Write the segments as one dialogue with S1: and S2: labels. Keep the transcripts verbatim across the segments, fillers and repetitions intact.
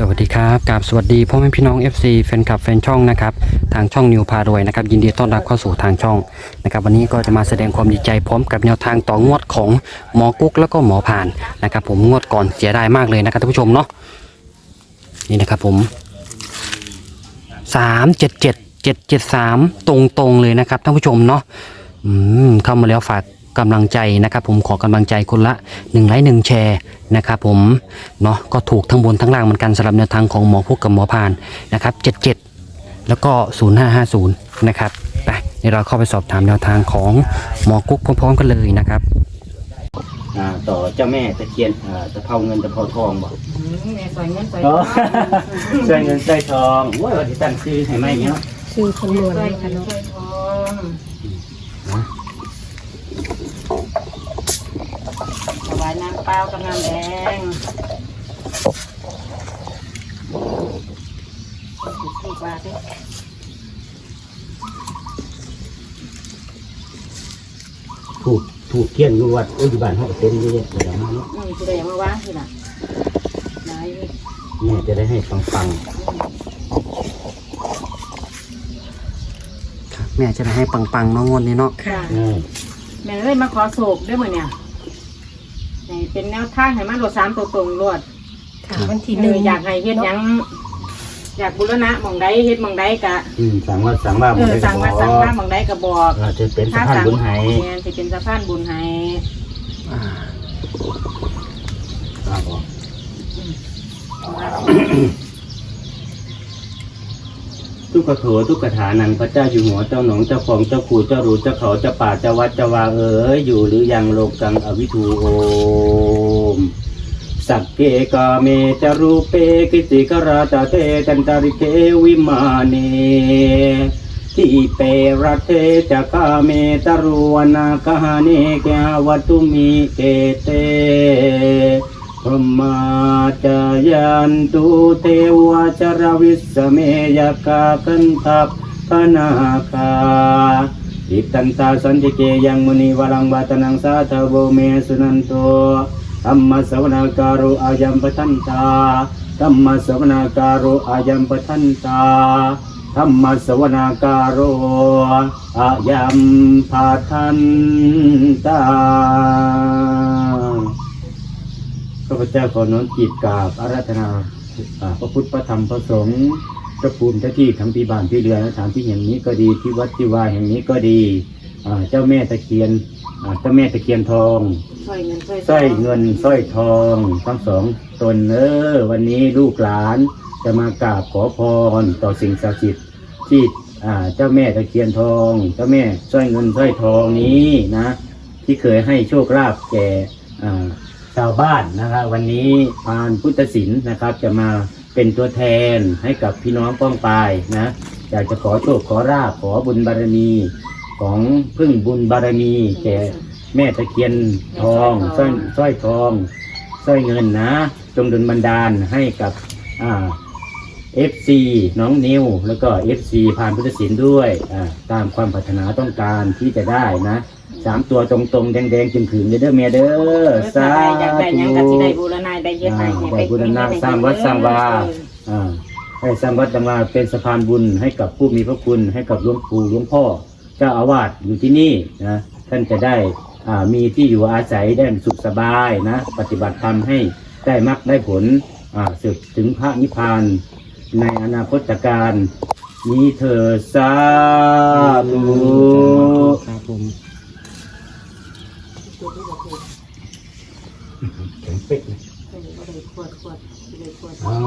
S1: วัสดีครับกับสวัสดีพ่อแม่พี่น้อง เอฟ ซี แฟนคลับแฟนช่องนะครับทางช่องนิวพารวยนะครับยินดีต้อนรับเข้าสู่ทางช่องนะครับวันนี้ก็จะมาแสดงความดีใจพร้อมกับแนวทางต่องวดของหมอกุ๊กแล้วก็หมอผ่านนะครับผมงวดก่อนเสียดายมากเลยนะครับท่านผู้ชมเนาะนี่นะครับผมสามเจ็ดเจ็ดเจ็ดเจ็ดสามตรงๆเลยนะครับท่านผู้ชมเนาะอืมเข้ามาแล้วฝากกำลังใจนะครับผมขอกำลังใจคนละหนึ่งไลค์หนึ่งแชร์นะครับผมเนาะก็ถูกทั้งบนทั้งล่างเหมือนกันสำหรับแนวทางของหมอพุกกับหมอพานนะครับเจ็ดเจ็ดแล้วก็ศูนย์ห้าห้าศูนย์นะครับไปเดี๋ยวเราเข้าไปสอบถามแนวทางของหมอกุ๊กพร้อมๆกันเลยนะครับ
S2: อ่าต่อเจ้าแม่ตะเคียนอ่าตะเภาเงินตะเภาทองบอก
S3: แม่ใส่เงินใส่
S2: อ๋อใส่เงินใส่ทองโอ้ยวันที่ตั้งชื่อให้ไหมเนาะ
S4: คือคำนวณ
S3: ใส่
S4: ให้
S3: เงิ
S4: ค่ะ
S3: น
S4: เนาะ
S3: ใส่ทองถวายน้ำเปล่ากับน้ำแดงสิบบาทดิ
S2: ถูกถูกเคียนอยู่วัดอุยบ้านเขาก็เต็มเยอะเลยนะเนาะ
S3: นี่จะได้มาว่างทีละไหน
S2: แม่จะได้ให้ฟังฟัง
S1: แม่จะได้ให้ปังๆเน้องงวดนี้เนาะ
S3: ค่ะ
S2: ๆอืม
S3: แม่เลยมาขอโศกด้วยมือเนี่ยให้เป็นแนวทางให้มันรถสามตัวตรงรวด
S4: ค่ะวันที่ห
S3: เอ
S4: นึ่ง
S3: ออยากให้เฮ็ดหยังอยากบุรณะหมองใดเฮ็ดหมองใดกะ
S2: อืมสั่งว่าสั่งว่า
S3: เออสั่งมาสั่งมาหมองใดก็บอก
S2: อาจจะเป็นสะพานบุญไห้
S3: แม่นสิเป็นสะพานบุญให้
S1: อ่า
S2: ครับผมทุกขโถทุกขฐานังพระเจ้าอยู่หัวเจ้าหนองเจ้าของเจ้าขู่เจ้ารูเจ้าเขาเจ้าป่าเจ้าวัดเจ้าวาเอ๋ยอยู่หรือยังโลกังอวิทูโอมสักเกกาเมจารูเปกิติกราตาเตจันตาริเกวิมาเนทิเปรัตเตจักาเมตารุวนาคหาเนแกวัตุมิเกเตพรหมาจายันตุเทวจรวิสเมยกากันทัพพนาคาอิตันตาสันติเกยังมุนีวรังวัตนังสาธโวเมสุนันโตธัมมสวนาการุอายัมปทันตาธัมมสวนาการุอายัมปทันตาธัมมสวนาการุอายัมปทันตาข้าพเจ้าขอน้อมจิตกราบอาราธนาพระพุทธพระธรรมพระสงฆ์พระภูมิเจ้าที่ทั้งที่บ้านที่เรือนสถานที่แห่งนี้ก็ดีที่วัดที่วาแห่งนี้ก็ดีเจ้าแม่ตะเคียนเจ้าแม่ตะเคียนทองสร้อยเงินสร้อยเงินสร้อยทองทั้งสองตนเออวันนี้ลูกหลานจะมากราบขอพรต่อสิ่งศักดิ์สิทธิ์ที่เจ้าแม่ตะเคียนทองเจ้าแม่สร้อยเงินสร้อยทองนี้นะที่เคยให้โชคลาภแก่ชาวบ้านนะครับวันนี้พานพุทธศิลป์นะครับจะมาเป็นตัวแทนให้กับพี่น้องป้องปายนะอยากจะขอโชคขอลาภขอบุญบารมีของพึ่งบุญบารมีแก่แม่ตะเคียนทองสร้อยสร้อยทองสร้อยเงินนะจงดลบันดาลให้กับอ่าเอฟซีน้องนิวแล้วก็เอฟซีพานพุทธศิลป์ด้วยอ่าตามความปรารถนาต้องการที่จะได้นะสามตัวตรงๆแดงๆจึงขืนเด้อเมียเด้อสาธุ
S3: อยากได้หยังก็สิได้บูรณะได้เฮ็ดให้
S2: ได้บูรณะสร้างวัดสร้างวาอ่าให้สร้างวัดสร้างวาเป็นสะพานบุญให้กับผู้มีพระคุณให้กับหลวงปู่หลวงพ่อเจ้าอาวาสอยู่ที่นี่นะท่านจะได้อ่ามีที่อยู่อาศัยได้สุขสบายนะปฏิบัติธรรมให้ได้มรรคได้ผลอ่าสึกถึงพระนิพพานในอนาคตการนี้เถิดสาธุ
S1: ครับผม
S2: แข็งเป๊กเลยอ๋อ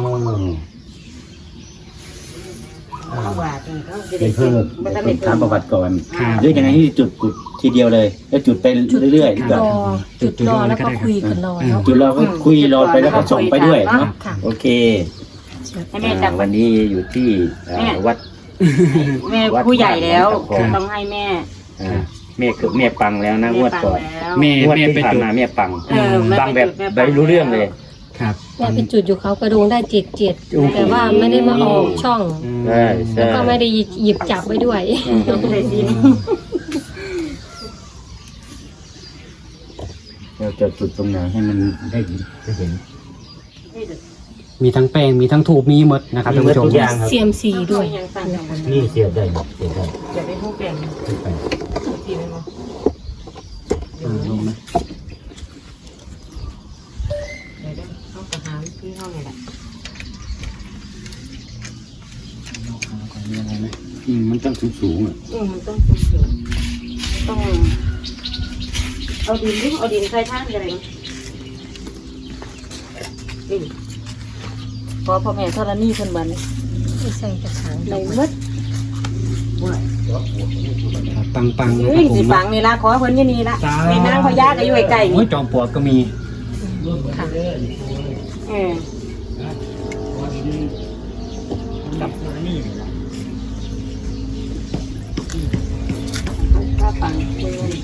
S3: เอาบาทนี่เขาจะได้
S2: เป็นเพิ่ม
S3: บ่ทัน
S2: เป็
S3: ได้
S2: นถามประวัติก่อน
S3: อ่า
S2: หรือยังไงที่จุดจุดทีเดียวเลยแล้วจุดไปเรื่อยๆดีก
S4: ร
S2: ว่า
S4: อจุดรอแล้วก็คุยกันรอเนาะ
S2: จุดเราก็คุยรอไปแล้วก็ส่งไปด้วยเนาะ
S4: ค่ะ
S2: โอเค
S3: ให้แม่
S2: อ่า
S3: จับ
S2: วันนี้อยู่ที่อ่า
S3: แม่
S2: วัด
S3: แม่ผู้ใหญ่แล้ว
S2: ครับ
S3: ต้องให้แม่
S2: อ่าแม่คือแม่ปังแล้วนะงวดก่อน
S1: แม่
S2: งวด
S1: แม่
S2: ที่
S1: ไป
S2: ผ่าน
S1: จุด
S2: มาแม่ปัง
S3: เออแม่
S2: ปังแบบ
S3: ไปจุด
S2: ไม่รู้เรื่องเลย
S1: ครับ
S4: แม่เป็นจุดอยู่เขากระดงได้เจ็ดเจ็ด
S2: โอ้โห
S4: แต่ว่าไม่ได้มาออกช่อง
S2: ใช่ใช่
S4: แล้วก็ไม่ได้หยิบจับไว้ด้วย
S2: อืม
S3: ต้องได้สิน
S2: เราจะจุดตรงไหนให้มันได้ได้เห็น
S1: มีทั้งแป้งมีทั้งถูกมีหมดนะครับท่านผู้ชม
S2: มีหมดทุกอย่าง
S4: เซียมซีด้วย
S3: ยังสั่งกัน
S2: นี่เสียบได้หมดเสียบได้
S3: จะได้ผู้เปลี่ยน
S2: ขึ้นไป
S3: ทีนึงเนาะ
S1: อ่าลงนะ
S3: เดี๋ยวได้ห้องทหารที่ห้องนี่แหละ
S1: มีอะไรไหม
S2: อืมมันต้องสูงสูงๆอ่ะ
S3: อืมมันต้องต้องสูงต้องเอาดินดิเอาดินใส่ท่านกันเลยนี่พอพ่อแม่ธรณีเพิ่นบัน
S4: ไม่ใส่กระถาง
S3: ในมืด
S1: ปังปังๆนะ
S3: เฮ้
S1: ครับผม
S3: ยสิปังนี่ละขอเพิ่นที่นี่ละในนางพญาก็อยู่ใกล้ๆ
S1: โอ้
S3: นี่
S1: ยจอมปลวกก็มี
S4: ค่ะ
S3: เออกับถ้าปังเพิ่น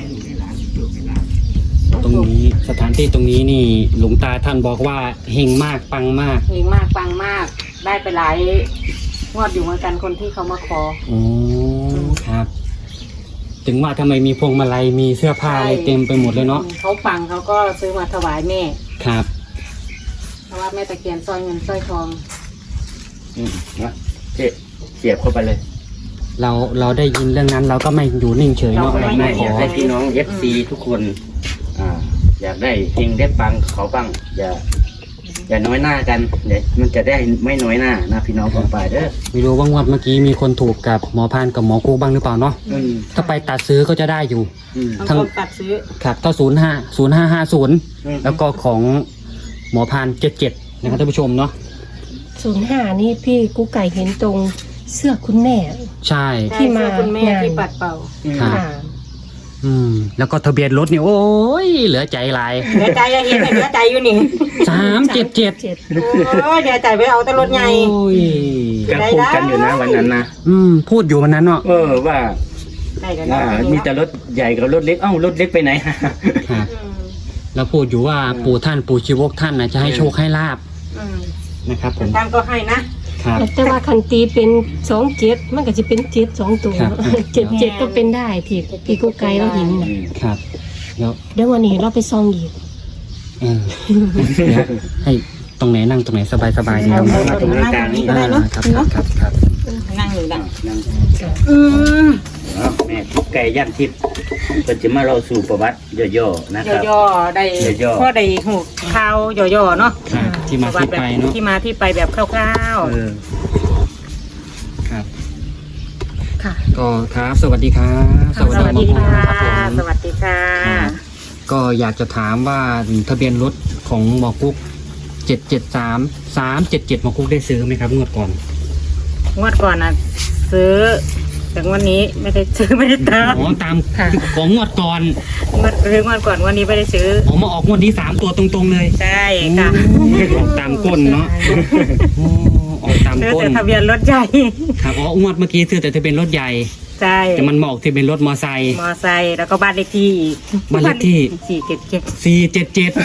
S1: ตรงนี้สถานที่ตรงนี้นี่หลวงตาท่านบอกว่าเฮงมากปังมาก
S3: เฮงมากปังมาก ได้ไปหลายงวดอยู่เหมือนกันคนที่เขามาขอ
S1: โอ้ครับ ถึงว่าทำไมมีพวงมาลัยมีเสื้อผ้าอะไรเต็มไปหมดเลยเนาะ
S3: เขาปังเขาก็ซื้อมาถวายแม่
S1: ครับ
S3: เพราะว่าแม่ตะเคียนสร้อยเงินสร้อยทอง
S2: อืมนะเจ๊เสียบเข้าไปเลย
S1: เราเราได้ยินเรื่องนั้น เราก็ไม่อยู่นิ่งเฉยเนาะ
S3: เรา
S1: เรา
S3: ไม่
S1: ไม่
S2: ไม่
S1: ข
S2: อยา
S1: อก
S2: ให้พี่น้องเอฟซีทุกคน อ่า อยากได้เฮงได้ปังเขาปังอย่า อย่าน้อยหน้ากันเดี๋ยวมันจะได้ไม่น้อยหน้านะพี่น้องของฝ่ายเด้อ
S1: ไม่รู้ว่างวดเมื่อกี้มีคนถูกกับหมอพานกับหมอกูบ้างหรือเปล่าเนาะ
S2: อืม
S1: ถ้าไปตัดซื้อก็จะได้อยู่
S2: อืม
S3: บาง
S1: ทั้ง
S3: คนตัดซื้อ
S1: ครับก็ศูนย์ห้าศูนย์ห้าห้าศูนย์
S2: อืม
S1: แล้วก็ของหมอพานเจ็ดเจ็ดนะครับท่านผู้ชมเนาะ
S4: ศูนย์ห้านี่พี่กุ๊กไก่เห็นตรงเสื้อคุณแม่
S1: ใช่
S4: ที่มา
S3: ใช่เสื้อคุณแม่
S4: งาน
S3: ที่ปัดเป่า
S1: ครับ
S4: ค่ะ
S1: อืมแล้วก็ทะเบียนรถนี่โอ้ยเหลือใจหลาย
S3: เดี๋ยวใจจะเห็นเดี๋ยวใจอยู่นี่
S1: สามเจ็ดเจ็ด
S4: เจ็ด
S3: โอ้ยเดี๋ยวใจไปเอาแตรถใหญ่
S1: โอ้ย
S2: ก็พูดกันอยู่นะวันนั้นนะ
S1: อืมพูดอยู่วันนั้นเนาะ
S2: เออว่า
S3: ได้กัน
S2: อ่ามีแต่รถใหญ่กับรถเล็ก เอ้ารถเล็กไปไหน
S1: ครับ
S3: อืม
S1: แล้วพูดอยู่ว่าปู่ท่านปู่ชีวกท่านนะจะให้โชคให้ลาบ
S3: อืม
S1: นะครับผม
S3: ท่านก็ให้นะครับ
S4: แต่ว่าคันตีเป็นสองเจ็ดมันก็จะเป็นเจ็ดสองตัว
S1: ครับ
S4: เจ็ดเจ็ดก็เป็นได้พี่พี่กุ๊กไก่เราเห็นน่ะ
S1: ครับแล้ว
S4: เดี๋ยววันนี้เราไปซองอีก
S1: เออเดี๋ยวให้ตรงไหนนั่งตรงไหนสบายสบายๆดีครับ
S2: เอามาตรงกลางนี่ก็
S1: อ่า
S2: ได้เนาะ
S1: ครับครับครับครับ
S3: นั่งอยู่ดัง
S2: นั่ง
S3: อืม
S2: เอาแม่ทิพย์ไก่ย่างทิพย์เป็นจะมาเราสู่ประวัติย่อๆนะครับ
S3: ย่อๆได้
S2: ย่อๆ
S3: พ่อได้หูข่าวย่อๆเนาะ
S1: ครับที่มาที่ไปเนาะ
S3: ที่มาที่ไปแบบคร่าว
S2: เออ
S1: ครับ
S4: ค่ะ
S1: ก็ครับสวัสดีครับ
S3: ๆ สวัสดีค่ะ
S1: ครับผม
S3: สวัสดีค่ะ
S1: ครับก็อยากจะถามว่าทะเบียนรถของหมอกุ๊กเจ็ดเจ็ดสามสามเจ็ดเจ็ดหมอกุ๊กได้ซื้อไหมครับงวดก่อน
S3: งวดก่อนนะซื้อแต่วันนี้ไม่ได้ซื้อไม่ได้ตาม
S1: อ๋อตาม
S4: ค่ะ
S1: ของงวดก่อน
S3: งวดซื้องวดก่อนวันนี้ไม่ได้ซื้อ
S1: ออกมาออกงวดนี้สามตัวตรงๆเลย
S3: ใช่ค่ะ
S1: ออกตามก้นเนาะโอ้ออกตาม
S3: ซื้อ
S1: ก้น
S3: แต่ทะเบียนรถใหญ่
S1: ครับอ๋องวดเมื่อกี้ซื้อแต่ทะเบียนรถใหญ่
S3: ใช่
S1: แต่มันมาออกทะเบียนรถมอไซค์
S3: มอไซค์แล้วก็บ้านเลขที่อีก
S1: บ้านเลขที่
S3: สี่เจ็ดเจ็ด
S1: สี่เจ็ดเจ็ด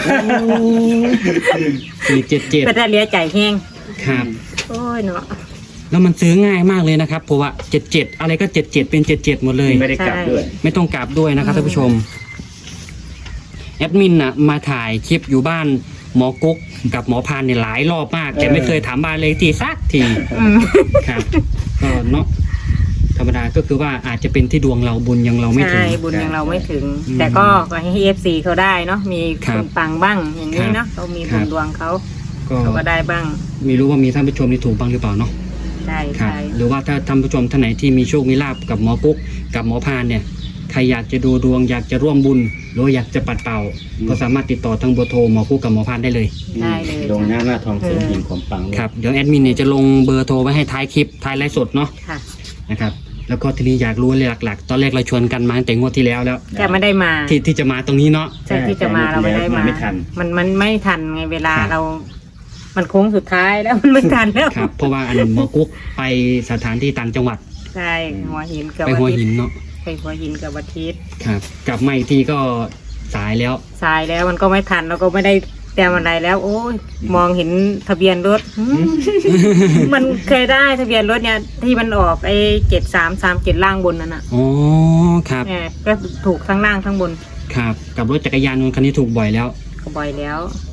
S1: สี่เจ็ดเจ็ด
S3: เป็นได้เลี้ยใจแห้ง
S1: ครับ
S3: โอ้ยเนาะ
S1: แล้วมันซื้อง่ายมากเลยนะครับเพราะว่าเจ็ดเจ็ดอะไรก็เจ็ดเจ็ดเป็นเจ็ดเจ็ดหมดเลย
S2: ไม่ได้กลับด้วย
S1: ไม่ต้องกลับด้วยนะครับท่านผู้ชมแอดมินน่ะมาถ่ายคลิปอยู่บ้านหมอกุ๊กกับหมอพานเนี่ยหลายรอบมาก แต่ไม่เคยถามบ้านเลยทีสักที
S3: อืม
S1: ครับก็เนาะธรรมดาก็คือว่าอาจจะเป็นที่ดวงเราบุญยังเราไม่ถึ
S3: ใช่
S1: ง
S3: บุญยังเราไม่ถึง
S1: อืม
S3: แต่ก็ก็ให้เอฟซีเขาได้เนาะมี
S1: ครั
S3: ค
S1: บ
S3: นปังบ้างอย่างนี้
S1: ครับ
S3: เนาะเขามี
S1: ครั
S3: บุ
S1: บ
S3: ญดวงเขา
S1: ก็
S3: เขาก็ได้บ้าง
S1: ไม่รู้ว่ามีท่านผู้ชมที่ถูกบ้างหรือเปล่าเนาะ
S3: ใช่
S1: ครับ
S3: ใช่
S1: หรือว่าถ้าท่านผู้ชมท่านไหนที่มีโชคมีลาบกับหมอกุ๊กกับหมอพานเนี่ยใครอยากจะดูดวงอยากจะร่วมบุญหรือว่าอยากจะปัดเป่า
S2: อืม
S1: ก็สามารถติดต่อทางเบอร์โทรหมอกุ๊กกับหมอพานได้เลย
S3: ได้เลย
S2: ลงหน้าหน้าทองเสริมหิ่งของปังเลย
S1: ครับเดี๋ยวแอดมินเนี่ยจะลงเบอร์โทรไว้ให้ท้ายคลิปท้ายไลฟ์สดเนาะ
S3: ค่ะ
S1: นะครับแล้วก็ทีนี้อยากรู้เลยหลักๆ ตอนแรกเราชวนกันมาตั้งแต่งวดที่แล้วแล้ว
S3: แต่ไม่ได้มา
S1: ที่ที่จะมาตรงนี้เนาะ
S3: ใช่ที่จะมาเราไม่ได้มา
S2: ไม่ทัน
S3: มันมันไม่ทันไงเวลา
S1: ครับ
S3: เรา มันโค้งสุดท้ายแล้วมันไม่ทันแล้ว
S1: ครับเพราะว่าอันหมอกุ๊กไปสถานที่ต่างจังหวัด
S3: ใช่หัวหินกับ
S1: ไป
S3: วั
S1: หัว
S3: ทิ
S1: หิ
S3: ต
S1: น
S3: ย์
S1: เนาะ
S3: ไปหัวหินกับวัทิตย์
S1: ครับกลับมาอีกทีก็สายแล้ว
S3: สายแล้วมันก็ไม่ทันเราก็ไม่ได้แต้มอะไรแล้ว โอ้ยมองเห็นทะเบียนรถหืม มันเคยได้ทะเบียนรถเนี่ยที่มันออกไอ้เจ็ดสามสามเจ็ดล่างบนนั่นน่ะ
S1: อ๋อครับ
S3: เนี่ยก็ถูกทั้งล่างทั้งบน
S1: ครับกับรถจักรยานยนต์คันนี้ถูกบ่อยแล้ว
S3: ก็บ่อยแล้ว
S1: อ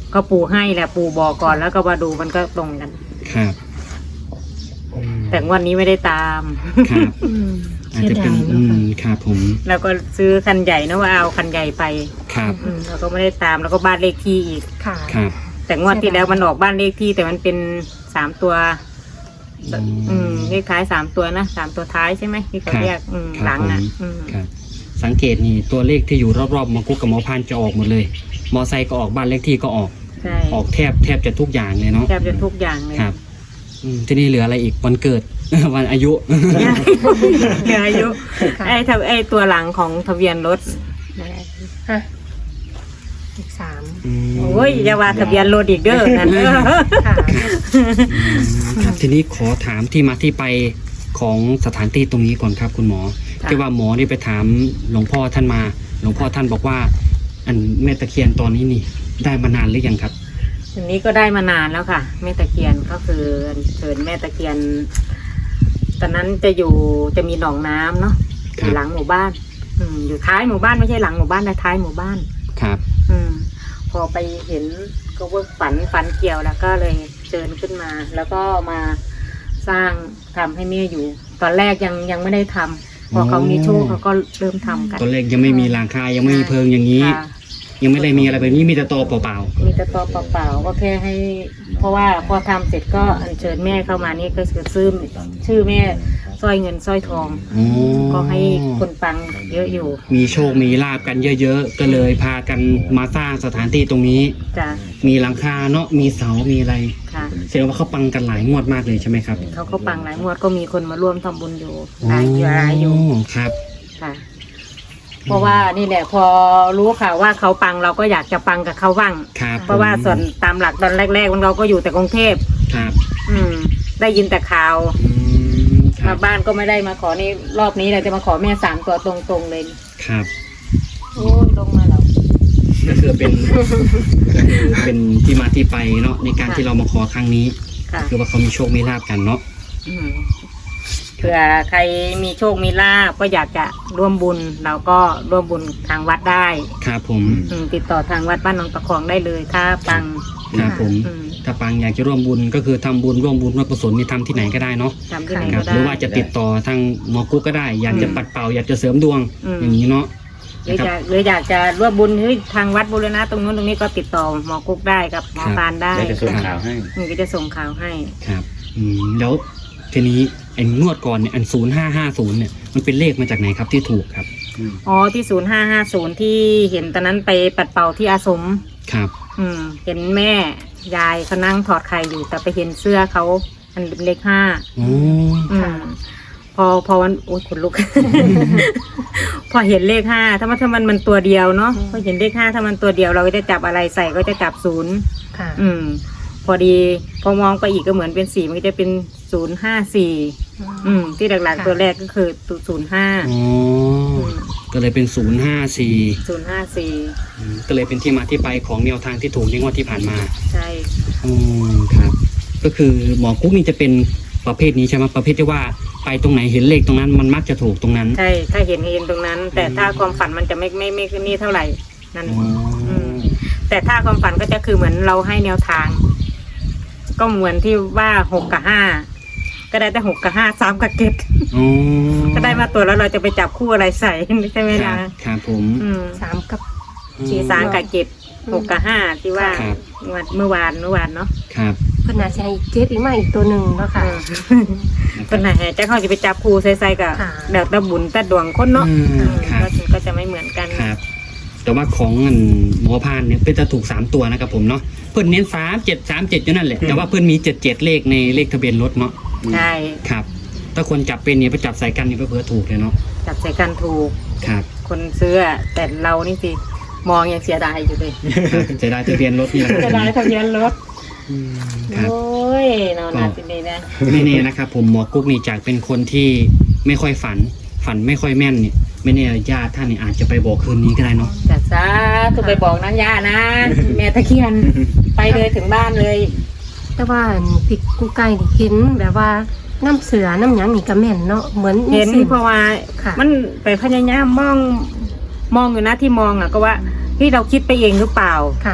S3: ก็ปู่ให้แหละปู่บอกก่อนแล้วก็มาดูมันก็ตรงกัน
S1: ครับอืม
S3: แต่งวันนี้ไม่ได้ตาม
S1: ครับ
S4: อืม
S1: อาจ
S4: เสีย
S1: จะเป็
S4: ดาน ย
S1: อื
S4: เนาะ
S1: มครับผม
S3: แล้วก็ซื้อคันใหญ่นะว่าเอาคันใหญ่ไป
S1: ครับ
S3: อืมแล้วก็ไม่ได้ตามแล้วก็บ้านเลขที่อีก
S4: ค่ะ
S1: ครับ
S3: แต่งวดที่แล้วมันออกบ้านเลขที่แต่มันเป็นสามตัว อืมเลขท้ายสามตัวนะสามตัวท้ายใช่ไหมที่เขาเรียกอืม
S1: ครับ
S3: หลังอ่ะ
S1: ผม
S3: อืม
S1: ครับ สังเกตนี่ตัวเลขที่อยู่รอบๆหมอกุ๊กกับหมอพานจะออกหมดเลย มอไซค์ก็ออกบ้านเลขที่ก็ออก
S3: ใช่
S1: ออกแทบแทบจะทุกอย่างเลยเนาะ
S3: แทบจะทุกอย่างเลย
S1: ครับอืมที่นี่เหลืออะไรอีกวันเกิด วันอายุ
S3: เหลืออายุ
S4: ค่ะ
S3: ไอ้ทะไอ้ตัวหลังของทะเบียนรถ
S4: ฮะอีกสาม
S1: อืม
S3: โอ้ยอย่าว่าทะเบียนรถอีกเด้อนั่นเด้อ
S4: ค่ะ
S1: อืมครับทีนี้ขอถามที่มาที่ไปของสถานที่ตรงนี้ก่อนครับคุณหมอ
S3: ค่ะ
S1: ที่ว่าหมอนี่ไปถามหลวงพ่อท่านมา หลวงพ่อท่านบอกว่า อันแม่ตะเคียนตอนนี้นี่ ได้มานานหรือยังครับ
S3: ทีนี้ก็ได้มานานแล้วค่ะ แม่ตะเคียนก็คือเชิญแม่ตะเคียน ตอนนั้นจะอยู่จะมีหนองน้ำเนาะอ
S1: ครับ
S3: ยู่หลังหมู่บ้าน อืมอยู่ท้ายหมู่บ้านไม่ใช่หลังหมู่บ้านนะท้ายหมู่บ้าน
S1: ครับ
S3: อืม พอไปเห็นก็เวิร์กฝันฝันเกี่ยวแล้วก็เลยเชิญขึ้นมา แล้วก็มาสร้างทำให้แม่อยู่ ตอนแรกยังยังไม่ได้ทำพอเขามีโชคเขาก็เริ่มทำกัน
S1: ตอนแรกยังไม่มีหลังคายังไม่มีเพิงอย่างนี้
S3: ค่ะ
S1: ยังไม่ได้มีอะไรแบบนี้มีแต่ตอเปล่า
S3: มีแต่ตัวเปล่าๆก็แค่ให้ เพราะว่าพอทำเสร็จก็อัญเชิญแม่เข้ามานี่ก็คือซื้อชื่อแม่สร้อยเงินสร้อยทอง
S1: ๆอ๋อ
S3: ก็ให้คนฟังเยอะอยู่
S1: มีโชคมีลาบกันเยอะๆก็เลยพากันมาสร้างสถานที่ตรงนี้
S3: จ้ะ
S1: มีหลังคาเนาะมีเสา มีอะไร
S3: ค่ะ
S1: แสดงว่าเขาปังกันหลายงวดมากเลยใช่ไหมครับ
S3: เขาก็ปังหลายงวดก็มีคนมาร่วมทำบุญอยู่หลายอยู่หลายอยู่
S1: ครับ
S3: ค่ะ เพราะว่านี่แหละพอรู้ข่าวว่าเขาปังเราก็อยากจะปังกับเขาบ้าง
S1: ครับ
S3: เพราะว่าส่วนตามหลักตอนแรกๆมันเราก็อยู่แต่กรุงเทพ
S1: ครับ
S3: อืม ได้ยินแต่ข่าว
S1: อืมครั
S3: มา
S1: บ
S3: บ้านก็ไม่ได้มาขอนี่รอบนี้เราจะมาขอแม่สามตัวตรงๆเลย
S1: ครับ
S3: โอ้ยลงมาแล้ว
S1: ก็คือเป็นก็คือเป็นที่มาที่ไปเนาะในการ
S3: ค่ะ
S1: ที่เรามาขอครั้งนี้
S3: ค่ะ
S1: คือว่าเขามีโชคมีลาบกันเนาะ
S3: อืมเผื่อใครมีโชคมีลาภก็อยากจะร่วมบุญ เราก็ร่วมบุญทางวัดได้
S1: ครับผม
S3: อืมติดต่อทางวัดบ้านหนองตะคองได้เลย ถ้าปัง
S1: ครับผม
S3: อืม
S1: ถ้าปังอยากจะร่วมบุญก็คือทำบุญร่วมบุญร่วมกุศลนี่ทำที่ไหนก็ได้เนาะ
S3: ทำที่ไหน
S1: ครั
S3: ก็
S1: บ
S3: ได้
S1: หรือว่าจะติดต่อทางหมอกุ๊กก็ได้ อยากจะ
S3: อืม
S1: ปัดเป่าอยากจะเสริมดวง
S3: อืม
S1: อย่างนี้เนาะ
S3: หรือ
S1: นะค
S3: อ
S1: รับ
S3: ยากหรืออยากจะร่วมบุญเฮ้ยทางวัดบูรณะตรงนู้นตรงนี้ก็ติดต่อหมอกุ๊กได้กับหมอ
S1: ครับ
S3: ปานได้
S2: เดี๋ยวจะส่งข่าวให้
S3: อืมก็จะส่งข่าวให้
S1: ครับอืมแล้วทีนี้ไอ้งวดก่อนเนี่ยอันศูนย์ห้าห้าศูนย์เนี่ยมันเป็นเลขมาจากไหนครับที่ถูกครับ
S3: อ๋อที่ศูนย์ห้าห้าศูนย์ที่เห็นตอนนั้นไปปัดเป่าที่อาสม
S1: ครับ
S3: อืม เห็นแม่ยายเขานั่งถอดไข่อยู่ แต่ไปเห็นเสื้อเขาอันเป็นเลขห้า
S1: โอ้
S3: อืมพอพอวันโอ้ยขนลุก พอเห็นเลขห้าถ้ามันถ้ามันมันตัวเดียวเนาะพอเห็นเลขห้าถ้ามันตัวเดียวเราก็จะจับอะไรใส่ก็จะจับศูนย์
S4: ค่ะ
S3: อืม พอดีพอมองไปอีกก็เหมือนเป็นสี่มันก็จะเป็นศูนย์ห้าสี่อืม ที่หลักๆตัวแรกก็คือศูนย์ห้า
S1: อ๋อก็เลยเป็นศูนย์ห้าสี่
S3: ศูนย์ห้าสี่
S1: ก็เลยเป็นที่มาที่ไปของแนวทางที่ถูกในงวดที่ผ่านมา
S3: ใช่
S1: อืมครับ ก็คือหมอกุ๊กนี่จะเป็นประเภทนี้ใช่ไหมประเภทที่ว่าไปตรงไหนเห็นเลขตรงนั้นมันมักจะถูกตรงนั้น
S3: ใช่ถ้าเห็นเห็นตรงนั้น แต่ถ้าความฝันมันจะไม่ไม่ไม่ขึ้นนี่เท่าไหร่นั่น
S1: อ๋ออ
S3: ม แต่ถ้าความฝันก็จะคือเหมือนเราให้แนวทาง ก็เหมือนที่ว่าหกกับห้าก็ได้แต่หกกับห้าสามกับเจ็ด
S1: อ๋อ
S3: ก็ได้มาตัวแล้วเราจะไปจับคู่อะไรใส่ใช่ไหม
S1: ครั
S3: ล่ะ
S1: บครับผม
S3: อืม
S4: สามกับ
S3: สีสามกับเจ็ดหกกับห้าที่ว่า
S1: ครับ
S3: เมื่อวานเมื่อวานเนาะ
S1: ครับ
S4: เพิ่นน่าจะให้เจ็ดอีกมาอีกตัวหนึ่งเนาะค่ะ
S3: คนไหนจะเขาจะไปจับคู่ใส่ๆกับ
S4: ค่ะ
S3: เดี๋ยวตะบุญตะดวงคนเนาะ
S1: อืมครับ
S3: ก็ก็จะไม่เหมือนกัน
S1: ครับ แต่ว่าของอันหมอพานเนี่ยเป็นจะถูกสามตัวนะครับผมเนาะเพื่อนเน้นสามเจ็ดสามเจ็ดอยู่นั่นแหละแต่ว่าเพื่อนมีเจ็ดเจ็ดเลขในเลขทะเบียนรถเนาะ
S3: ใช่
S1: ครับ ถ้าคนจับเป็นเนี่ยไปจับใส่กันนี่ก็เพื่อถูกเลยเนาะ
S3: จับใส่กันถูก
S1: ครับ
S3: คนซื้ออะแต่เรานี่สิมองยังเสียดายอยู่เลย
S1: ครับจะได้ทะเบียนรถนี่แหละ
S3: เสียดายทะเบียนรถ
S1: อืมครับ
S3: โอ้ยนอนหนาสิดีนะ
S1: ไม่แน่นะครับผมหมอกุ๊กนี่จากเป็นคนที่ไม่ค่อยฝัน ฝันไม่ค่อยแม่นเนี่ยไม่แน่ญาติท่านนี่อาจจะไปบอกคืนนี้ก็ได้เนาะ
S3: จัดซะคือไปบอกนั้นย่านะ แม่ตะเคียนไปเลยถึงบ้านเลย
S4: แต่ว่าพี่กูไก่นี่เห็นแบบว่าน้ำเสือน้ำหยังนี่ก็แม่นเนาะเหมือน
S3: เห็น
S4: ส้
S3: เพราะว่า
S4: ค่ะ
S3: มันไปพยายามมองมองอยู่นะที่มองอ่ะก็ว่าที่เราคิดไปเองหรือเปล่า
S4: ค่ะ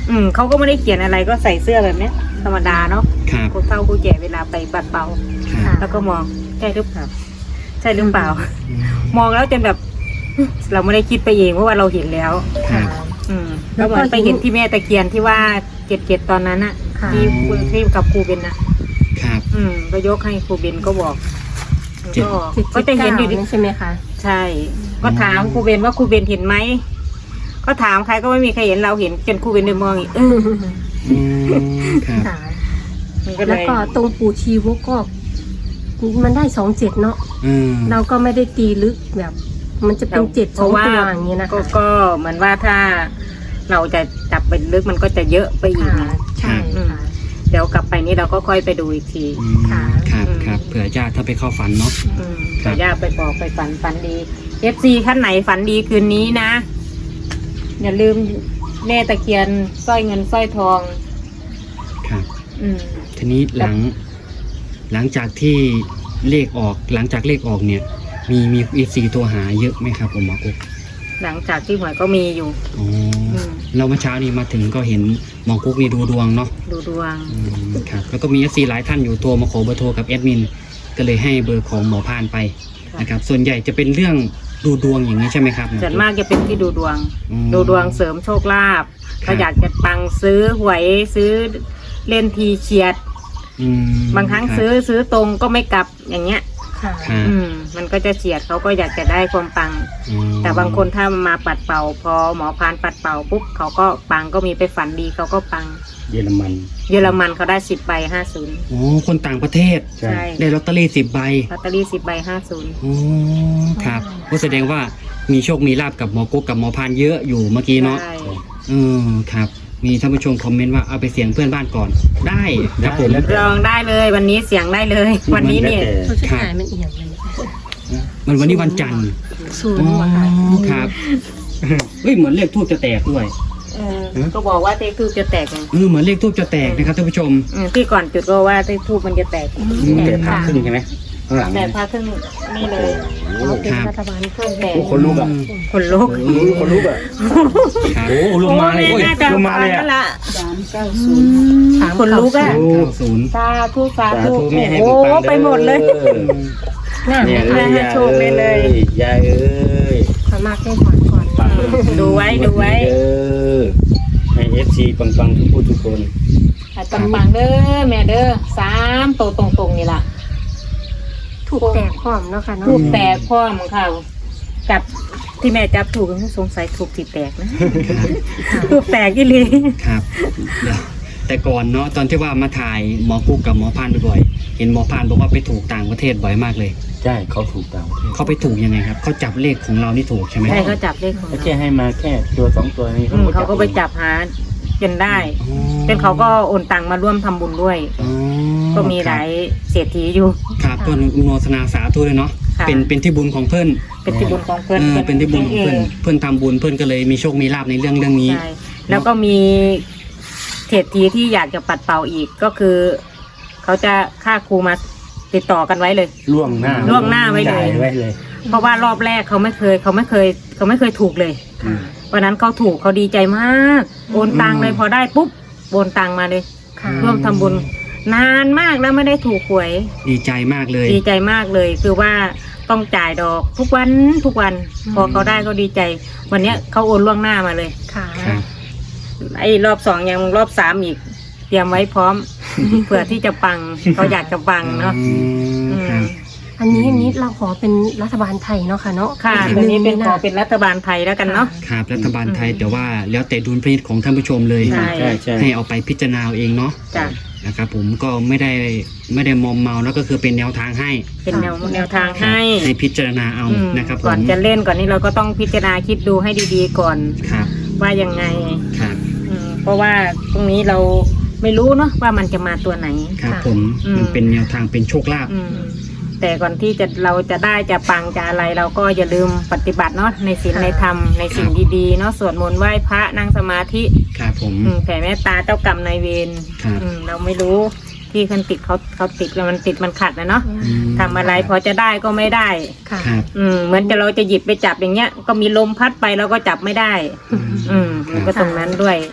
S3: อืมเขาก็ไม่ได้เขียนอะไรก็ใส่เสื้อแบบเนี้ยธรรมดาเนาะ
S1: ครับ
S3: คนเฒ่าผู้แก่เวลาไปปัดเป่า
S1: ครับ
S3: แล้วก็มองใช่หรือเปล่าใช่หรือเปล่า
S1: อืม
S3: มองแล้วจนแบบ เราไม่ได้คิดไปเองเพราะว่าเราเห็นแล้ว
S1: ครับ
S3: อืมแล้วเหมือนไปเห็นที่แม่ตะเคียนที่ว่าเจ็ดเจ็ดตอนนั้นอะ
S4: ค่ะ
S3: ที่ที่กับครูเบนอะ
S1: ครับ
S3: อืมก็ยกให้ครูเบนก็บอก
S1: เจ็ด
S3: ก็
S4: เจ็ด
S3: ก็จะเห็นอยู่ดิ
S4: ใช่ไหมคะ
S3: ใช่ ก็ถามครูเบนว่าครูเบนเห็นไหมก็ถามใครก็ไม่มีใครเห็นเราเห็นจนครูเบนเดินมองอีกเออ
S1: อืมครับ
S4: ค่ะ
S3: มันก็เล
S4: แล้ว
S3: ย
S4: ก็ตรงปู่ชีวกก็มันได้สองเจ็ดเนาะ
S1: อืม
S4: เราก็ไม่ได้ตีลึกแบบ มันจะเป็นเจ็ด
S3: เพ
S4: สอง
S3: ราะว่า
S4: ตัวอย่างเงี้ยนะ
S3: ก็
S4: คะ
S3: ก็เหมือนว่าถ้าเราจะจับไปลึกมันก็จะเยอะไปอีก
S4: ค่ะ
S3: นะ
S4: ใช่
S3: อืม
S4: ค่ะ
S3: เดี๋ยวกลับไปนี่เราก็ค่อยไปดูอีกที
S1: อืม
S4: ค่ะ
S1: ครับ
S3: อืม
S1: ครับเผื่อญาติถ้าไปเข้าฝันเนาะ
S3: อืม
S1: ครับ
S3: แต่ย่าไปบอกไปฝันฝันดีเอฟซีท่านไหนฝันดีคืนนี้นะ อย่าลืมแม่ตะเคียนสร้อยเงินสร้อยทอง
S1: ครับ
S3: อืม
S1: ทีนี้หลัง หลังจากที่เลขออก หลังจากเลขออกเนี่ย มีมีเอฟซีตัวหาเยอะไหมครับผมหมอกุ๊ก
S3: หลังจากที่หวยก็มีอยู่
S1: อ๋ออ
S3: ม
S1: เราเมื่อเช้านี้มาถึงก็เห็นหมอกุ๊กนี่ดูดวงเนาะ
S3: ดูดวง
S1: อืมครับแล้วก็มีเอฟซีหลายท่านอยู่โทรมาขอเบอร์โทรกับแอดมินก็เลยให้เบอร์ของหมอพานไป
S3: ค่ะ
S1: นะครับส่วนใหญ่จะเป็นเรื่องดูดวงอย่างนี้ใช่ไหมครับหอ
S3: ส่วนมากจะเป็นที่ดูดวง
S1: อืม
S3: ดูดวงเสริมโชคลาภ
S1: ครับ
S3: ถ้าอยากจะปังซื้อหวยซื้อเล่นทีเฉียด
S1: อืม
S3: บางครั้งซื้อซื้อตรงก็ไม่กลับอย่างเงี้ย
S4: ค่ะ
S1: ครับ
S3: อืมมันก็จะเฉียดเขาก็อยากจะได้ความปัง
S1: อืม
S3: แต่บางคนถ้ามาปัดเป่า พอหมอพานปัดเป่าปุ๊บเขาก็ปังก็มีไปฝันดีเขาก็ปัง
S2: เยอรมัน
S3: เยอรมันเขาได้สิบใบห้าศูนย์
S1: โอ้คนต่างประเทศ
S2: ใช่
S3: ใช่
S1: ได้ลอตเตอรี่สิบใบ
S3: ลอตเตอรี่สิบใบห้าศูนย์
S1: โอ้ครับก็แสดงว่ามีโชคมีลาบกับหมอกุ๊กกับหมอพานเยอะอยู่เมื่อกี้เนาะ
S3: ใช่
S1: อืมครับ มีท่านผู้ชมคอมเมนต์ว่าเอาไปเสียงเพื่อนบ้านก่อน ได้ครับผม
S2: ได้แล้ว
S3: ลองได้เลยวันนี้เสียงได้เลย วันนี้เนี่ย
S4: เขาจะขายมันเอียงเลย
S1: มันวันนี้วันจันทร์
S4: ศูน
S1: อ๋
S4: ย์
S1: อ
S4: ว่ะค่ะ
S1: ครับเฮ้ยเหมือนเลขทูบจะแตกด้วย
S3: เออก็บอกว่าเททูบจะแตกไง
S1: เออเหมือนเลขทูบจะแตกนะครับท่านผู้ชม
S3: อืมที่ก่อนจุดก็ว่าเททูบมันจะแตก
S2: แต่ผ่าครึ่งใช่ไหมข้างหลัง
S3: แต่พาขึ้นนี่เลย
S2: โอ้
S4: เป็น
S1: ครับ
S4: รัฐบาล
S3: เครื่องแตก
S2: โหคนลุกอ่ะ
S3: คนลุก
S2: โอ้คนลุกอ่ะ
S1: ครับ
S2: โอ้ลงมาเลย
S3: โอ้แน่าจะ
S2: ลงมาเลย
S3: ฟั
S2: อ่ะ
S3: งแล้วล่ะ
S4: สามเก้าศูนย์สาม
S3: คนลุกอะ
S1: เก้าศูนย์
S3: สาธุสา
S2: สา
S3: ธุ
S2: ธุแม่ให้
S3: โอ้
S2: ปังๆ
S3: ไปหมดเลย
S4: น่า
S2: เนี่ย
S4: ไม่
S2: เอ้ย
S3: ให้โชคเลยเลย
S2: ยายเอ้ย
S4: สามารถได้ถอนก่อน
S2: ปัง
S3: ดูไว้ดูไว้
S2: เออให้เอฟซีปังปังๆทุกผู้ทุกคน
S3: ให้ปังๆเด้อแม่เด้อสามโตวตรงๆนี่ล่ะ
S4: ถูกแตกพร้อมเนาะค่ะเนาะ
S3: ถูกแตกพ่อมึงเขาจับที่แม่จับถูกสงสัยถูกที่แตกนะถูกแตกอีหลี
S1: ครับเดี๋ยวแต่ก่อนเนาะตอนที่ว่ามาถ่ายหมอกุ๊กกับหมอพานบ่อยๆเห็นหมอพานบอกว่าไปถูกต่างประเทศบ่อยมากเลย
S2: ใช่เขาถูกตามประเทศ
S1: เขาไปถูกยังไงครับเขาจับเลขของเรานี่ถูกใช่ไหม
S3: ใช่เขาจับเลขของ
S2: เขา
S3: เรา
S2: แค่ให้มาแค่ตัวสองตัวนี้
S3: อืมเขาก็ไปจับหาจนได้
S1: อ๋อ
S3: จนเขาก็โอนตังมาร่วมทำบุญด้วย
S1: อ๋อ
S3: ก็มีหลายเศรษฐีอยู่
S1: ครับก็อนุโมทนาสาธุเลยเนาะ
S3: ค่ะ
S1: เป็นเป็นที่บุญของเพื่อน
S3: เป็นที่บุญของเพื่อน
S1: เออเป็นที่บุญของเพื่อนเพื่อนทำบุญเพื่อนก็เลยมีโชคมีลาภในเรื่องเรื่องนี้
S3: ใช่แล้วก็มีเศรษฐีที่อยากจะปัดเป่าอีกก็คือ เขาจะค่าครูมาติดต่อกันไว้เลย
S2: ล่วงหน้า
S3: ล่วงหน้าไว้เลย
S2: จ่ายไว้เลย
S3: เพราะว่ารอบแรกเขาไม่เคยเขาไม่เคยเขาไม่เคยถูกเลย
S2: อืม
S3: วันนั้นเขาถูกเขาดีใจมากโอนตังเลยพอได้ปุ๊บโอนตังมาเลย
S4: ค่ะ
S3: ร่วมทำบุญนานมากแล้วไม่ได้ถูกหวย
S1: ดีใจมากเลย
S3: ดีใจมากเลย คือว่าต้องจ่ายดอกทุกวันทุกวัน พอเขาได้ก็ดีใจ วันเนี้ยเขาโอนล่วงหน้ามาเลย
S4: ค่ะ
S1: ครับ
S3: ไอ้รอบสองยังรอบสามอีก เตรียมไว้พร้อม เผื่อที่จะปังเขาอยากจะปังเนาะ
S1: อืม
S3: อืม
S1: ครับ
S4: อันนี้อันนี้เราขอเป็นรัฐบาลไทยเนาะค่ะเนาะ
S3: ค่ะ
S4: อีก
S3: ตัวนี้เป็น
S4: หง
S3: ขอเป็นรัฐบาลไทยแล้วกันเนาะ
S1: ครับรัฐบาลไทย
S3: อืม
S1: แต่ว่าแล้วแต่ดุลพินิจของท่านผู้ชมเลย
S3: ใช่
S2: ใช่ใช่
S1: ให้เอาไปพิจารณาเอาเองเนาะ
S3: จ้ะ
S1: นะครับผมก็ไม่ได้ไม่ได้มอมเมาแล้วก็คือเป็นแนวทางให้
S3: เป็นแนวแนวทางให้
S1: ให้พิจารณาเอา
S3: อืม
S1: นะครับผ
S3: ก่อน
S1: ม
S3: จะเล่นก่อนนี้เราก็ต้องพิจารณาคิดดูให้ดีๆก่อน
S1: ครับ
S3: ว่ายังไง
S1: ครับ
S3: อืมเพราะว่าตรงนี้เราไม่รู้เนาะว่ามันจะมาตัวไหน
S1: ครับ
S4: ค่ะ
S1: ผม
S3: อืม
S1: มันเป็นแนวทางเป็นโชคลาภ
S3: อืมแต่ก่อนที่จะเราจะได้จะปังจะอะไรเราก็อย่าลืมปฏิบัติเนาะในศีล
S4: ค่ะ
S3: ในธรรมในสิ่งดีๆเนาะสวดมนต์ไหว้พระนั่งสมาธิ
S1: ครับผม
S3: อืมแผ่เมตตาเจ้ากรรมนายเวร
S1: ครับ
S3: อืมเราไม่รู้ที่คนติดเขาเขาติดแล้วมันติดมันขัดนะเนาะ
S1: อืม
S3: ทำอะไรพอจะได้ก็ไม่ได้
S4: ค่ะ
S1: ครับ
S3: อืมเหมือนจะเราจะหยิบไปจับอย่างเงี้ย ก็มีลมพัดไปเราก็จับไม่ได้
S1: อืม
S3: อืมมันก็ตรงนั้นด้วย ถ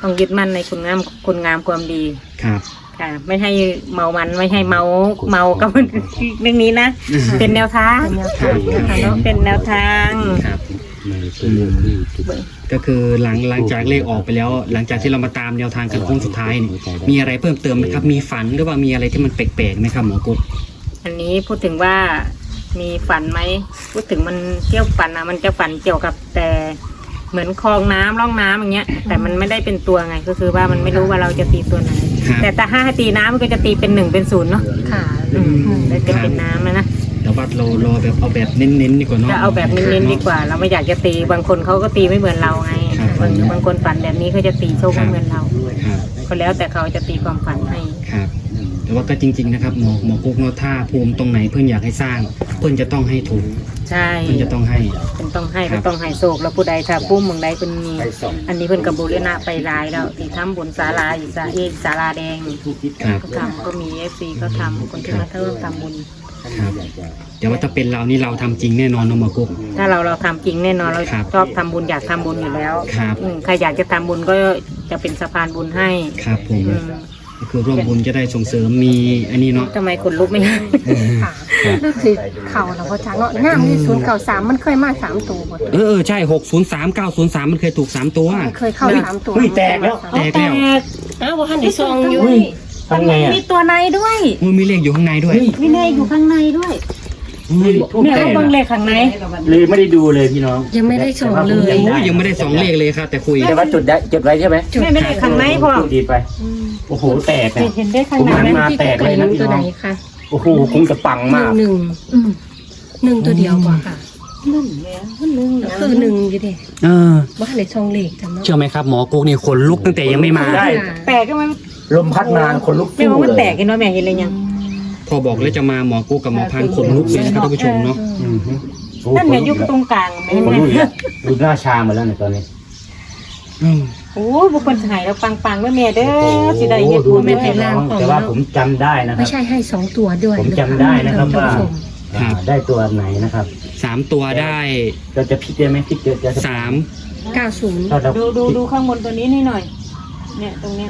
S3: ต้องยึดมั่นในคุณงามคุณงามความดี
S1: ครับ
S3: ค่ะ ไม่ให้เมามันไม่ให้เมาเมากับเรื่องนี้นะ เป็นแนวทาง
S4: เป็นแนวทางนะคะ
S3: เนาะ
S4: เนาะ
S3: เป็นแนวทาง
S1: ครับ
S2: ในตัวเรื่องที่ถูก
S1: ก็คือหลังหลังจากเลขออกไปแล้ว หลังจากที่เรามาตามแนวทางกันโค้งสุดท้ายนี่มีอะไรเพิ่มเติมไหมครับมีฝันหรือว่ามีอะไรที่มันแปลกๆไหมครับหมอกุ๊ก
S3: อันนี้พูดถึงว่ามีฝันไหมพูดถึงมันเกี่ยวฝันนะมันจะฝันเกี่ยวกับแต่เหมือนคลองน้ำร่องน้ำอย่างเงี้ย แต่มันไม่ได้เป็นตัวไงก็คือว่ามันไม่รู้ว่าเราจะตีตัวไหน
S1: ครับ
S3: แต่ถ้าให้ตีน้ำมันก็จะตีเป็นหนึ่งเป็นศูนย์เนาะ
S4: ค่ะ
S3: อืมแล้วจะเป็นน้ำนะนะ
S1: แต่ว่าเรารอแบบเอาแบบเน้นๆดีกว่าเนาะ
S3: จะเอาแบบเน้นๆดีกว่า เราไม่อยากจะตีบางคนเขาก็ตีไม่เหมือนเราไง
S1: ครับ
S3: บางบางคนฝันแบบนี้เขาจะตีโชคไม่เหมือนเรา
S1: ครับ
S3: ก็แล้วแต่เขาจะตีความฝันให้
S1: ครับแต่ว่าก็จริง ๆนะครับหมอหมอกุ๊กเนาะถ้าภูมิตรงไหนเพื่อนอยากให้สร้าง เพื่อนจะต้องให้ถูก
S3: ใช่
S1: เพื่อนจะต้องให้
S3: เป็นต้องให้
S1: ครั
S3: เป็
S1: บ
S3: นต้องให้โศกแล้วผู้ใดถ้าปุ้มเมืองใดเป็นมีอันนี้เพิ่นกับบูรณะไปหลายแล้วที่ทำบุญศาลาอยู่ศาเอกศาลาแดง
S1: ครับ
S3: เขาทำก็มีเอฟซีเขาทำคนที่มาเทิมทำบุญ
S1: ครับแต่ว่าถ้าเป็นเรานี่เราทำจริงแน่นอนเนาะหมอกุ๊ก
S3: ถ้าเราเราทำจริงแน่นอนเรา
S1: ครับ
S3: ชอบทำบุญอยากทำบุญอยู่แล้ว
S1: ครับ
S3: อืมใครอยากจะทำบุญก็จะเป็นสะพานบุญให้
S1: ครับผม
S3: อืม
S1: ก็คือร่วมบุญจะได้ส่งเสริมมีอันนี้เนาะ
S3: ทำไมคนลุกไม่ได้
S4: ค่ะรู้สึกเข่าแล้วพ่อจ๋าเนาะงามที่ศูนย์เก่าสามมันเคยมาสามตัวหมด
S1: เออเออใช่หกศูนย์สามเก้าศูนย์สามมันเคยถูกสามตัว
S4: มันเคยเข้าสามตัว
S2: เฮ้ยแตกแล้ว
S1: แตกแล้ว
S4: อ้าวว่าหันได้ซองอยู่
S2: เฮ้ยทำไงอ่ะ
S3: มีตัวในด้วย
S1: มันมีเลขอยู่ข้างในด้วย
S3: มีเลขอยู่ข้างในด้วย
S2: เฮ้ยทูบ
S3: เนี่ย
S2: แต
S3: เขา
S2: ก
S3: เบิ่งเลขข้างใน
S2: เลยไม่ได้ดูเลยพี่น้อง
S4: ยังไม่ได้ส่งเลย
S2: แต่
S1: โอ้
S2: ว่าย
S1: ยังไม่ได้สองเลขเลยครับแต่คุย
S2: แต่ว่าจุดได้จุดไว้ใช่ไหม
S3: แม่ไม่ได้ข้างในพ่อ
S2: จุดดีไป โอ้โหแตกอ่ะ
S3: เห็นได้ข้าง
S2: ผม
S3: ใน
S2: หัน
S3: ไหม
S2: มา
S4: ที่
S2: แตก
S4: ไก่
S2: เลย
S4: ห
S2: นะ
S4: นึ่ง
S2: พี่
S4: ตัว
S2: น้
S4: ไหน
S2: อง
S4: คะ
S2: โอ้โหคงจะปัง
S4: ห
S2: มา
S4: นึ่ง
S2: ก
S4: หนึ่งอืมหนึ่งตัวเดียวกว่าค่ะ
S3: นั่นแหละหนึ่ง
S4: คือหนึ่งอยู่ดิ
S1: เออ
S4: ว่าหันได้ซองเลขจำเนาะ
S1: เชื่อไหมครับหมอกุ๊กนี่ขนลุกตั้งแต่ยังไม่มา
S2: ได้
S3: แตกก็มัน
S2: ลมพัดนานคนลุก
S3: ไม่
S2: สู้
S3: ว่ามัน
S2: เลย
S3: แตกกันเนาะแม่เห็นเลยยัง
S1: พอบอกแล้วจะมาหมอกุ๊กกับหมอพันขนลุกเลยนะครับท่านผู้ชมเนาะ
S2: อืมฮึโอ้
S3: นั่น
S2: ค
S3: ไง
S2: ลุ
S3: ยุคตรงกลางแม่
S2: คน
S3: แม่
S2: ลุกอีกแล้วดูหน้าชาหมดแล้วเนี่ยตอนนี้
S1: อืม
S3: โอ้ยบุคคลหายแล้วปังๆแม่แม่เด้อสิได้เฮ็ด
S2: ดู
S3: บุญ
S2: ไม่
S3: แม่
S2: เห็น
S3: แม่
S2: น้องแต่ว่าผมจำได้นะค
S4: ไม่
S2: รับ
S4: ใช่ให้สองตัวด้วย
S2: ผมจำได้นะครับว่า
S4: ท่นผู้ชม
S2: อ่าได้ตัวไหนนะครับ
S1: สามตัวได้
S2: เราจะพลิกได้ไหมพลิกเยอะจะ
S1: สาม
S4: เก้าศูนย์
S2: ถ้าเรา
S3: ดูดูดูข้างบนตัวนี้นี่หน่อย เนี่ยตรงเนี้ย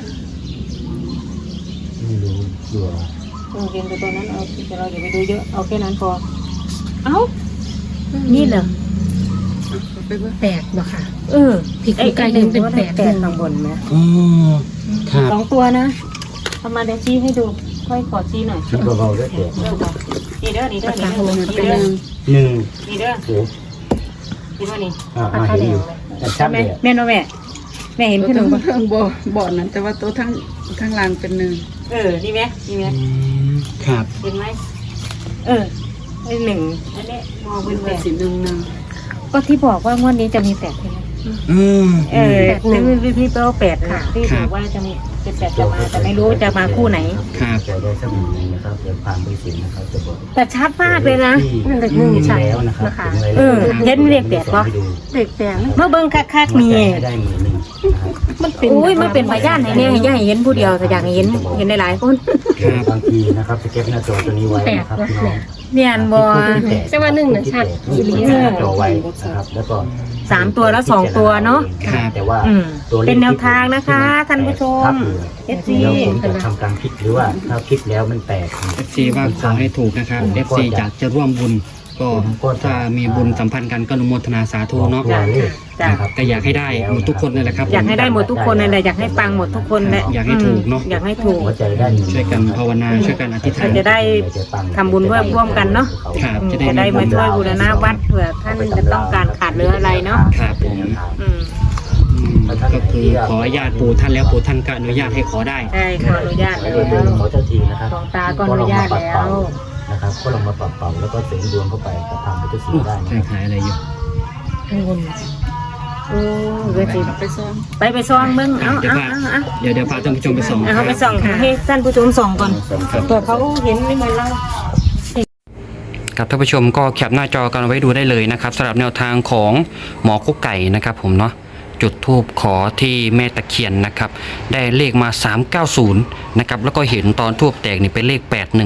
S2: ไม่รู้ตัว
S3: เออเรียนตัวตัวนั้นเอาแต่เราอย่าไปดูเยอะเอาแค่นั้นพอเอ้านี่เหรอ
S4: แปดบ่ค่ะ
S3: เออ
S4: พริกไก่หนึ่งเป็นแปด
S3: แปดข้างบนไหม
S1: อ๋อครับ
S3: สองตัวนะเอามาเดี๋ยวชี้ให้ดู ค่อยขอชี้หน่อย
S2: คิดเบาๆด้วยเดี๋ยว
S3: นี่เด้อนี่เด้อนี่เด้อนี่
S4: เป็น
S3: เด้อ
S2: หนึ่ง
S3: นี่เด้อ
S2: โอ้
S3: นี่ว่านี่
S2: อ่าอ่าเห็นอยู่แต่ชัด
S3: แม่
S2: เลยอะ
S3: แม่เนาะแม่แม่เห็น
S5: ตัว
S3: ขึ้นห
S5: ทั้
S3: นึ่
S5: ง
S3: งปะ
S5: ทั้งบ่บ่อนั้นแต่ว่าตัวทั้งทั้งล่างเป็นหนึ่ง
S3: เออนี่ไหมนี่ไหม
S1: อืมครับ
S3: เห็นไหมเออไอหนึ่งอันนี้มองเป็นแปด
S5: สีหนึ่งหนึ่ง
S3: ก็ที่บอกว่างวดนี้จะมีแปดใช่ไหม
S1: อืม
S3: เออที่ที่ที่แปลว่าแปดค่ะที่บอกว่าจะมีเป็นแปดจะมาแต่ไม่รู้จะมาคู่ไหน
S1: ครับ
S2: ใจได้สักหนึ่งหนึ่งนะครับเดี๋ยวผ่านไปสินะครับจะบอก
S3: แต่ชัดมากเลยนะ
S2: ที่
S4: นั่นเลขหนึ่ง
S2: เห็น
S4: ใช่
S2: แล้วนะครับ
S4: นะคะ
S2: ห็นไว้
S3: เออ
S2: แล้ว
S3: เห็นเลขแปดปะ
S2: ให้ดู
S4: เด็กแปด
S3: เมื่อเบิ้งคักๆมี
S2: ให้ได้หมื่นหนึ่งนะครับ
S4: มันเป็น
S3: อุ้ยมันเป็นพยานไหนเนี่ยอย่าให้เห็นผู้เดียวแต่อยากให้เห็นเห็นหลายๆคน
S2: บางทีนะครับจะเก็บหน้าจอตัวนี้ไว้นะครับพี่น้อง
S3: เนียนบอ
S4: แต่ว่าหนึ่งน่ะชัด
S2: อีหลีหน้าจอไว้นะครับแล้วก็
S3: สามตัวแล้วสองตัวเนาะ
S1: ครับ
S2: แต่ว่า
S3: อืม
S2: ตัวลข
S3: เป็นแนวทางนะคะท่านผู้ชม เอฟซี
S2: เดี๋ยวผมจะทำการพลิกหรือว่าถ้าพลิกแล้วมันแตก
S1: เอฟซีว่าขอให้ถูกนะครับเอฟซีอยากจะร่วมบุญ ก็ถ้ามีบุญสัมพันธ์กันก็อนุโมทนาสาธุเนาะ
S2: ตัวเลข
S3: จ้ะ
S2: นะครับ
S1: ก็อยากให้ได้หมดทุกคนนั่นแหละครับ
S3: อยากให้ได้หมดทุกคนเลยแหละอยากให้ปังหมดทุกคนแหละ
S1: อยากให้ถูกเนอะ
S3: อยากให้ถูก
S2: หัวใจได้
S1: ช่วยกันภาวนาช่วยกันอธิษฐาน
S3: จะได้ทำบุญร่วมกันเนาะ
S1: ครับ
S3: อืม
S1: จะได้
S3: จะได้มาช่วยบูรณะวัดเผื่อท่านจะต้องการขาดเหลืออะไรเนาะ
S1: ครับผม
S3: อืม
S1: อืมก็คือขออนุญาตปู่ท่านแล้วปู่ท่านก็อนุญาตให้ขอได้
S3: ใช่ขออนุญาต
S2: แล้
S3: แล้ว ว
S2: เดินขอเจ้าทีนะครับ
S3: ดวงตาก็อนุญาตแล้ว
S2: นะครับก็ลองมาปรับเป่าแล้วก็เสริมดวงเข้าไปกับทางพุทธศีลได้นะ
S1: ใช่ขายอะไรอยู่
S4: อันบน
S3: โอ้เวที
S5: ไปซ้อม
S3: ไปไปซ่องเบิ้งเอา
S1: เดี๋ยว
S3: เอา
S1: พา
S3: เอาเอา
S1: เดี๋ยวเดี๋ยวพาท่านผู้ชมไปส่อง
S3: เอาเขาไปส่องให้ท่านผู้ชมส่องก่อนเผื่อเขาเห็นไม่เหมือนเรา
S1: ครับท่านผู้ชมก็แคปหน้าจอกันเอาไว้ดูได้เลยนะครับสำหรับแนวทางของหมอกุ๊กไก่นะครับผมเนาะจุดธูปขอที่แม่ตะเคียนนะครับได้เลขมาสามเก้าศูนย์นะครับแล้วก็เห็นตอนธูปแตกนี่เป็นเลขแปดหนึ่ง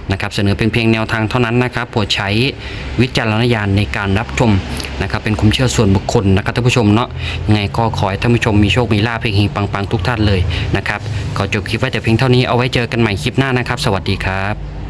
S1: นะครับเสนอเป็นเพียงแนวทางเท่านั้นนะครับโปรดใช้วิจารณญาณในการรับชมนะครับเป็นความเชื่อส่วนบุคคลนะครับท่านผู้ชมเนาะยังไงก็ขอให้ท่านผู้ชมมีโชคมีลาภเฮงๆปังๆทุกท่านเลยนะครับขอจบคลิปไว้แต่เพียงเท่านี้เอาไว้เจอกันใหม่คลิปหน้านะครับสวัสดีครับ